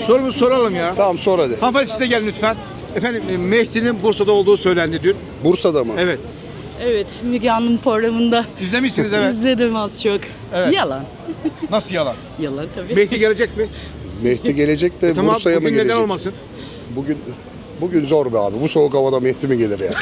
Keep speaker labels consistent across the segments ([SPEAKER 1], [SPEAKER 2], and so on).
[SPEAKER 1] Sorumuzu soralım ya.
[SPEAKER 2] Tamam sor hadi.
[SPEAKER 1] Hanımefendi siz de gelin lütfen. Efendim Mehdi'nin Bursa'da olduğu söylendi dün.
[SPEAKER 2] Bursa'da mı?
[SPEAKER 1] Evet.
[SPEAKER 3] Evet, Müge Anlı programında
[SPEAKER 1] İzlemişsiniz evet.
[SPEAKER 3] izledim az çok.
[SPEAKER 1] Evet.
[SPEAKER 3] Yalan.
[SPEAKER 1] Nasıl yalan?
[SPEAKER 3] Yalan tabii.
[SPEAKER 1] Mehdi gelecek mi?
[SPEAKER 2] Mehdi gelecek de
[SPEAKER 1] Tamam
[SPEAKER 2] Bursa'ya mı
[SPEAKER 1] bugün
[SPEAKER 2] gelecek?
[SPEAKER 1] neden olmasın?
[SPEAKER 2] Bugün zor be abi. Bu soğuk havada Mehdi mi gelir ya?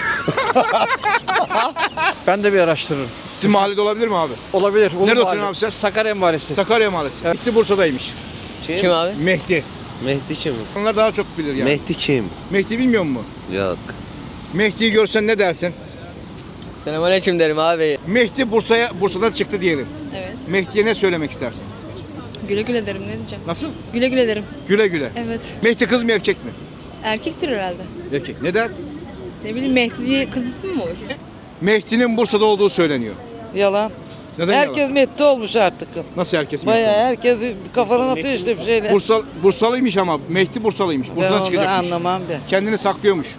[SPEAKER 4] Ben de bir araştırırım.
[SPEAKER 1] Sizin mahallede olabilir mi abi?
[SPEAKER 4] Olabilir. Olur
[SPEAKER 1] Nerede
[SPEAKER 4] mu
[SPEAKER 1] oturuyorsun
[SPEAKER 4] abi?
[SPEAKER 1] abi sen?
[SPEAKER 4] Sakarya Mahallesi.
[SPEAKER 1] Sakarya Mahallesi. Mehdi Bursa'daymış.
[SPEAKER 5] Kim abi?
[SPEAKER 1] Mehdi.
[SPEAKER 5] Mehdi kim?
[SPEAKER 1] Onlar daha çok bilir yani.
[SPEAKER 5] Mehdi kim?
[SPEAKER 1] Mehdi bilmiyor musun?
[SPEAKER 5] Yok.
[SPEAKER 1] Mehdi'yi görsen ne dersin?
[SPEAKER 5] Selamünaleyküm derim abi.
[SPEAKER 1] Mehdi Bursa'dan çıktı diyelim.
[SPEAKER 6] Evet.
[SPEAKER 1] Mehdi'ye ne söylemek istersin?
[SPEAKER 6] Güle güle derim, ne diyeceğim?
[SPEAKER 1] Nasıl?
[SPEAKER 6] Güle güle derim.
[SPEAKER 1] Güle güle.
[SPEAKER 6] Evet.
[SPEAKER 1] Mehdi kız mı erkek mi?
[SPEAKER 6] Erkektir herhalde.
[SPEAKER 1] Erkek. Neden?
[SPEAKER 6] Ne bileyim, Mehdi diye kız ismi mi olur?
[SPEAKER 1] Mehdi'nin Bursa'da olduğu söyleniyor.
[SPEAKER 7] Yalan.
[SPEAKER 1] Neden
[SPEAKER 7] Herkes
[SPEAKER 1] yalan?
[SPEAKER 7] Mehdi olmuş artık.
[SPEAKER 1] Nasıl herkes Mehdi?
[SPEAKER 7] Bayağı herkes kafadan atıyor işte bir şeyler.
[SPEAKER 1] Bursalıymış ama Mehdi Bursalıymış.
[SPEAKER 7] Ben
[SPEAKER 1] Bursa'dan
[SPEAKER 7] onları
[SPEAKER 1] çıkacakmış.
[SPEAKER 7] anlamam ben.
[SPEAKER 1] Kendini saklıyormuş.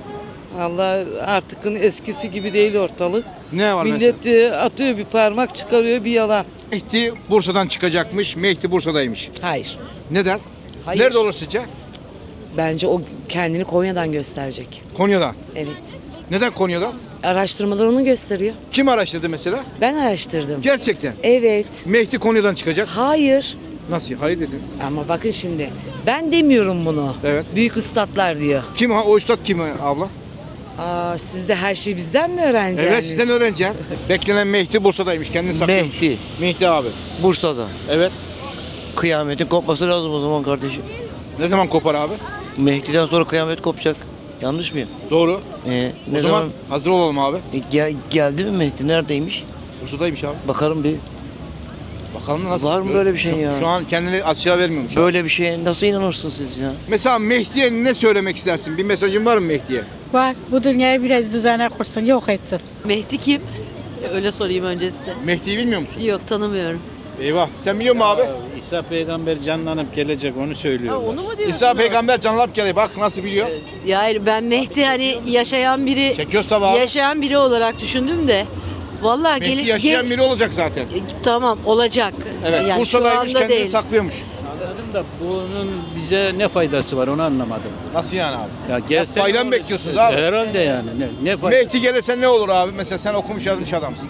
[SPEAKER 7] Allah artık eskisi gibi değil ortalık.
[SPEAKER 1] Ne var mesela?
[SPEAKER 7] Millet atıyor bir parmak çıkarıyor bir yalan.
[SPEAKER 1] Mehdi Bursa'dan çıkacakmış. Mehdi Bursa'daymış.
[SPEAKER 8] Hayır.
[SPEAKER 1] Neden?
[SPEAKER 8] Hayır.
[SPEAKER 1] Nerede olur sizce?
[SPEAKER 8] Bence o kendini Konya'dan gösterecek.
[SPEAKER 1] Konya'dan.
[SPEAKER 8] Evet.
[SPEAKER 1] Neden Konya'dan?
[SPEAKER 8] Araştırmalar onu gösteriyor.
[SPEAKER 1] Kim araştırdı mesela?
[SPEAKER 8] Ben araştırdım.
[SPEAKER 1] Gerçekten.
[SPEAKER 8] Evet.
[SPEAKER 1] Mehdi Konya'dan çıkacak.
[SPEAKER 8] Hayır.
[SPEAKER 1] Nasıl? Hayır dediniz.
[SPEAKER 8] Ama bakın şimdi. Ben demiyorum bunu.
[SPEAKER 1] Evet.
[SPEAKER 8] Büyük üstadlar diyor.
[SPEAKER 1] Kim o üstad kim abla?
[SPEAKER 8] Aa, siz de her şeyi bizden mi öğreneceksiniz?
[SPEAKER 1] Evet sizden öğreneceğim. Beklenen Mehdi Bursa'daymış. Kendini saklıyormuş.
[SPEAKER 5] Mehdi.
[SPEAKER 1] Mehdi abi.
[SPEAKER 5] Bursa'da.
[SPEAKER 1] Evet.
[SPEAKER 5] Kıyametin kopması lazım o zaman kardeşim.
[SPEAKER 1] Ne zaman kopar abi?
[SPEAKER 5] Mehdi'den sonra kıyamet kopacak. Yanlış mıyım?
[SPEAKER 1] Doğru.
[SPEAKER 5] Ne
[SPEAKER 1] O zaman hazır olalım abi.
[SPEAKER 5] geldi mi Mehdi? Neredeymiş?
[SPEAKER 1] Bursa'daymış abi.
[SPEAKER 5] Bakarım bir.
[SPEAKER 1] Bakalım da nasıl?
[SPEAKER 5] Var mı böyle bir şey ya?
[SPEAKER 1] Şu an kendini açığa vermiyormuş.
[SPEAKER 5] Böyle bir şeye nasıl inanırsınız siz ya?
[SPEAKER 1] Mesela Mehdi'ye ne söylemek istersin? Bir mesajın var mı Mehdi'ye?
[SPEAKER 9] Var. Bu dünyayı biraz düzene kursun, yok etsin.
[SPEAKER 3] Mehdi kim? Öyle sorayım önce size.
[SPEAKER 1] Mehdi'yi bilmiyor musun?
[SPEAKER 3] Yok, tanımıyorum.
[SPEAKER 1] Eyvah. Sen biliyor musun abi?
[SPEAKER 10] İsa peygamber canlanıp gelecek onu söylüyorlar.
[SPEAKER 3] Onu mu diyorsun?
[SPEAKER 1] İsa peygamber canlanıp geliyor. Bak nasıl biliyor.
[SPEAKER 3] Ya hayır, ben Mehdi hani yaşayan biri,
[SPEAKER 1] Çekiyoruz tabii abi.
[SPEAKER 3] yaşayan biri olarak düşündüm de. Vallahi
[SPEAKER 1] Mehdi yaşayan biri olacak zaten.
[SPEAKER 3] Tamam, olacak.
[SPEAKER 1] Evet.
[SPEAKER 3] Yani
[SPEAKER 1] Bursa'daymış
[SPEAKER 3] şu anda
[SPEAKER 1] kendini
[SPEAKER 3] değil.
[SPEAKER 1] saklıyormuş.
[SPEAKER 10] Anladım da bunun bize ne faydası var onu anlamadım.
[SPEAKER 1] Nasıl yani abi?
[SPEAKER 10] Ya gelse
[SPEAKER 1] Fayda
[SPEAKER 10] ne
[SPEAKER 1] mı
[SPEAKER 10] olur?
[SPEAKER 1] bekliyorsunuz abi?
[SPEAKER 10] Herhalde yani. Ne fayda?
[SPEAKER 1] Mehdi gelirse ne olur abi? Mesela sen okumuş yazmış adamsın.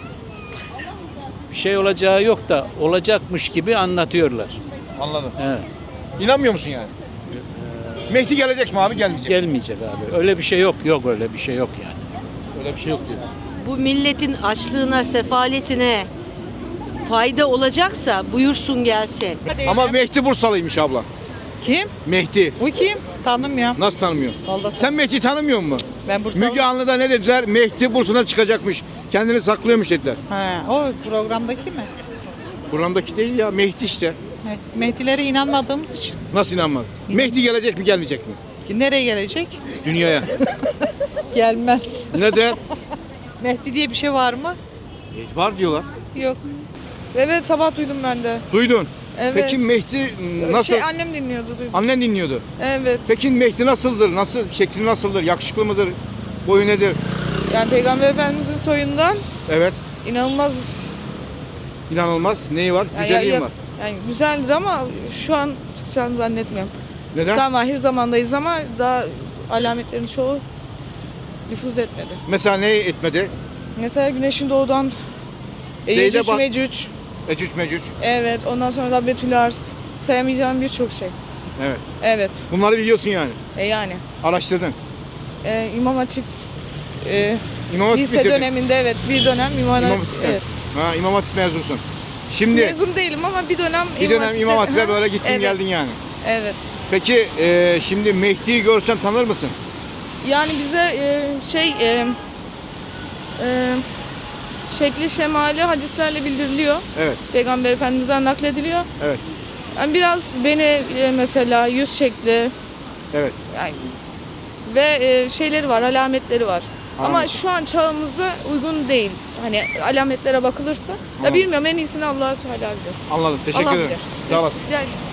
[SPEAKER 10] Bir şey olacağı yok da olacakmış gibi anlatıyorlar.
[SPEAKER 1] Anladım.
[SPEAKER 10] Evet.
[SPEAKER 1] İnanmıyor musun yani? Mehdi gelecek mi abi gelmeyecek?
[SPEAKER 10] Gelmeyecek abi. Öyle bir şey yok. Yok öyle bir şey yok yani.
[SPEAKER 1] Öyle bir şey yok diyor.
[SPEAKER 3] Bu milletin açlığına, sefaletine fayda olacaksa buyursun gelsin.
[SPEAKER 1] Ama Mehdi Bursalıymış abla.
[SPEAKER 9] Kim?
[SPEAKER 1] Mehdi.
[SPEAKER 9] Bu kim? Tanımıyorum.
[SPEAKER 1] Nasıl tanımıyor?
[SPEAKER 9] Vallahi
[SPEAKER 1] Sen Mehdi'yi tanımıyor musun?
[SPEAKER 9] Ben Bursalı.
[SPEAKER 1] Müge Anlı'da ne dediler? Mehdi Bursa'dan çıkacakmış. Kendini saklıyormuş dediler.
[SPEAKER 9] He, o programdaki mi?
[SPEAKER 1] Programdaki değil ya Mehdi işte.
[SPEAKER 9] Evet. Mehdilere inanmadığımız için.
[SPEAKER 1] Nasıl inanmadın? Mehdi gelecek mi gelmeyecek mi?
[SPEAKER 9] Nereye gelecek?
[SPEAKER 1] Dünyaya.
[SPEAKER 9] Gelmez.
[SPEAKER 1] Neden?
[SPEAKER 9] Mehdi diye bir şey var mı?
[SPEAKER 1] Var diyorlar.
[SPEAKER 9] Yok. Evet, sabah duydum ben de.
[SPEAKER 1] Duydun.
[SPEAKER 9] Evet.
[SPEAKER 1] Peki Mehdi nasıl?
[SPEAKER 9] Annem dinliyordu, duydum.
[SPEAKER 1] Annen dinliyordu.
[SPEAKER 9] Evet.
[SPEAKER 1] Peki Mehdi nasıldır? Nasıl şekli nasıldır? Yakışıklı mıdır? Boyu nedir?
[SPEAKER 9] Yani Peygamber Efendimizin soyundan
[SPEAKER 1] Evet.
[SPEAKER 9] inanılmaz.
[SPEAKER 1] İnanılmaz. Neyi var?
[SPEAKER 9] Yani,
[SPEAKER 1] Güzelliği var.
[SPEAKER 9] Yani güzeldir ama şu an çıkacağını zannetmiyorum.
[SPEAKER 1] Neden?
[SPEAKER 9] Tam ahir zamandayız ama daha alametlerin çoğu nüfuz etmedi.
[SPEAKER 1] Mesela ne etmedi?
[SPEAKER 9] Mesela güneşin doğudan
[SPEAKER 1] Neyle
[SPEAKER 9] Yecüc
[SPEAKER 1] bak-
[SPEAKER 9] Mecüc.
[SPEAKER 1] Ecüc mecüc.
[SPEAKER 9] Evet, ondan sonra da Betül Ars. Sayamayacağım birçok şey.
[SPEAKER 1] Evet.
[SPEAKER 9] Evet,
[SPEAKER 1] Bunları biliyorsun yani.
[SPEAKER 9] yani.
[SPEAKER 1] Araştırdın.
[SPEAKER 9] İmam Hatip
[SPEAKER 1] İmam Hatip
[SPEAKER 9] lise
[SPEAKER 1] bitirdin.
[SPEAKER 9] döneminde evet bir dönem İmam Hatip.
[SPEAKER 1] İmam,
[SPEAKER 9] Evet.
[SPEAKER 1] Ha, İmam Hatip mezunsun. Şimdi
[SPEAKER 9] Mezun değilim ama bir dönem
[SPEAKER 1] İmam Hatip'e
[SPEAKER 9] Ha,
[SPEAKER 1] böyle gittin
[SPEAKER 9] evet,
[SPEAKER 1] geldin yani.
[SPEAKER 9] Evet.
[SPEAKER 1] Peki şimdi Mehdi'yi görsen tanır mısın?
[SPEAKER 9] Yani bize şekli şemali hadislerle bildiriliyor.
[SPEAKER 1] Evet.
[SPEAKER 9] Peygamber Efendimiz'den naklediliyor.
[SPEAKER 1] Evet.
[SPEAKER 9] Yani biraz beni mesela yüz şekli
[SPEAKER 1] Evet.
[SPEAKER 9] yani ve şeyleri var, alametleri var. Ama
[SPEAKER 1] Alametler.
[SPEAKER 9] şu an çağımıza uygun değil. Hani alametlere bakılırsa. Ya bilmiyorum, en iyisini Allah-u Teala bilir.
[SPEAKER 1] Anladım. Teşekkür
[SPEAKER 9] Allah
[SPEAKER 1] ederim.
[SPEAKER 9] bilir.
[SPEAKER 1] Sağ olasın.
[SPEAKER 9] Rica ederim.